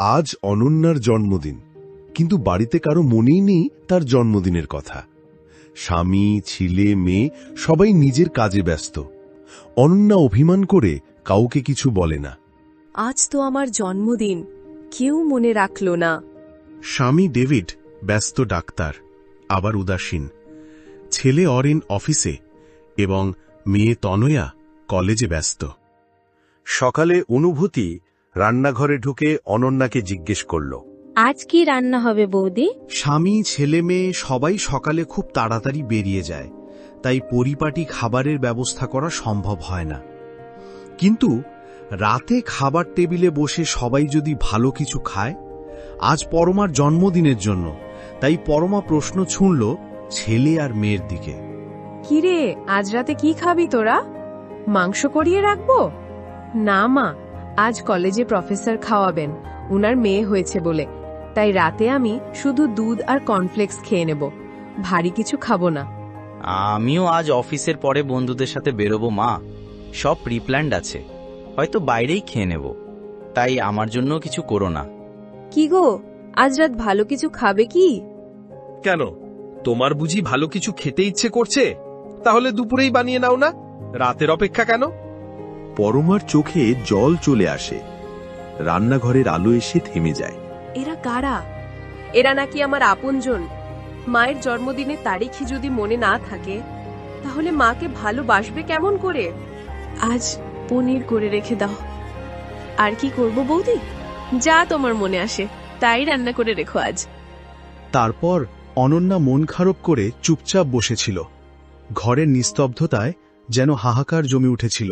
আজ অনন্যার জন্মদিন, কিন্তু বাড়িতে কারো মনেই নেই তার জন্মদিনের কথা। স্বামী, ছেলে, মেয়ে সবাই নিজের কাজে ব্যস্ত। অনন্যা অভিমান করে কাউকে কিছু বলে না। আজ তো আমার জন্মদিন, কেউ মনে রাখল না। স্বামী ডেভিড ব্যস্ত ডাক্তার, আবার উদাসীন। ছেলে অরিন অফিসে এবং মেয়ে তনয়া কলেজে ব্যস্ত। সকালে অনুভূতি রান্নাঘরে ঢুকে অনন্যাকে জিজ্ঞেস করল, আজ কি রান্না হবে বৌদি? স্বামী, ছেলে মেয়ে সবাই সকালে খুব তাড়াতাড়ি বেরিয়ে যায়, তাই পরিপাটি খাবারের ব্যবস্থা করা সম্ভব হয় না। কিন্তু রাতে খাবার টেবিলে বসে সবাই যদি ভালো কিছু খায়। আজ পরমার জন্মদিনের জন্য, তাই পরমা প্রশ্ন ছুঁড়ল ছেলে আর মেয়ের দিকে। কিরে, আজ রাতে কি খাবি তোরা? মাংস করিয়ে রাখবো? না মা, আজ কলেজে প্রফেসর খাওয়াবেন, উনার মেয়ে হয়েছে বলে, তাই রাতে আমি শুধু দুধ আর কর্নফ্লেক্স খেয়ে নেব, ভারী কিছু খাবো না। আমিও আজ অফিসের পরে বন্ধুদের সাথে বেরোবো মা, সব প্রিপ্ল্যান্ড আছে, হয়তো বাইরেই খেয়ে নেব, তাই আমার জন্য কিছু করো না। কি গো, আজ রাত ভালো কিছু খাবে কি? কেন, তোমার বুঝি ভালো কিছু খেতে ইচ্ছে করছে? তাহলে দুপুরেই বানিয়ে নাও না, রাতের অপেক্ষা কেন? পরমার চোখে জল চলে আসে। রান্নাঘরের আলো এসে থেমে যায়। এরা কারা? এরা নাকি আমার আপনজন। মায়ের জন্মদিনের তারিখই যদি মনে না থাকে, তাহলে মাকে ভালোবাসবে কেমন করে? আজ পনির করে রেখে দাও। আর কি করব বৌদি? যা তোমার মনে আসে তাই রান্না করে রেখো আজ। তারপর অনন্যা মন খারাপ করে চুপচাপ বসেছিল। ঘরের নিস্তব্ধতায় যেন হাহাকার জমে উঠেছিল।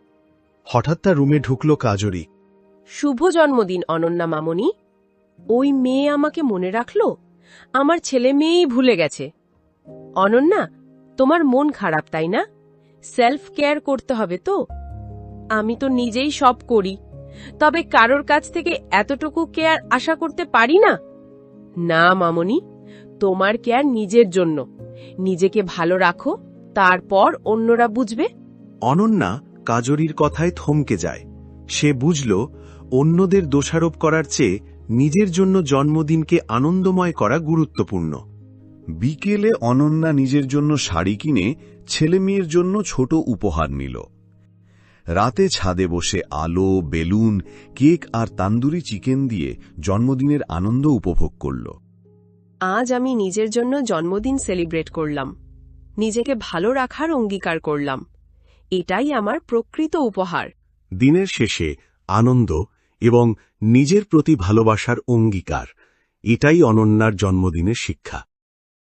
হঠাৎ তার রুমে ঢুকল কাজরি। শুভ জন্মদিন অনন্যা মামনি। ওই মেয়ে আমাকে মনে রাখলো? আমার ছেলে মেয়েই ভুলে গেছে। অনন্যা, তোমার মন খারাপ তাই না? সেলফ কেয়ার করতে হবে তো। আমি তো নিজেই সব করি, তবে কারোর কাছ থেকে এতটুকু কেয়ার আশা করতে পারি না। না মামনি, তোমার কেয়ার নিজের জন্য। নিজেকে ভালো রাখো, তারপর অন্যরা বুঝবে। অনন্যা কাজরির কথায় থমকে যায়। সে বুঝল অন্যদের দোষারোপ করার চেয়ে নিজের জন্য জন্মদিনকে আনন্দময় করা গুরুত্বপূর্ণ। বিকেলে অনন্যা নিজের জন্য শাড়ি কিনে ছেলে মেয়ের জন্য ছোট উপহার নিল। রাতে ছাদে বসে আলো, বেলুন, কেক আর তান্দুরি চিকেন দিয়ে জন্মদিনের আনন্দ উপভোগ করল। আজ আমি নিজের জন্য জন্মদিন সেলিব্রেট করলাম, নিজেকে ভালো রাখার অঙ্গীকার করলাম। এটাই আমার প্রকৃত উপহার। দিনের শেষে আনন্দ এবং নিজের প্রতি ভালোবাসার অঙ্গীকার, এটাই অনন্যার জন্মদিনের শিক্ষা।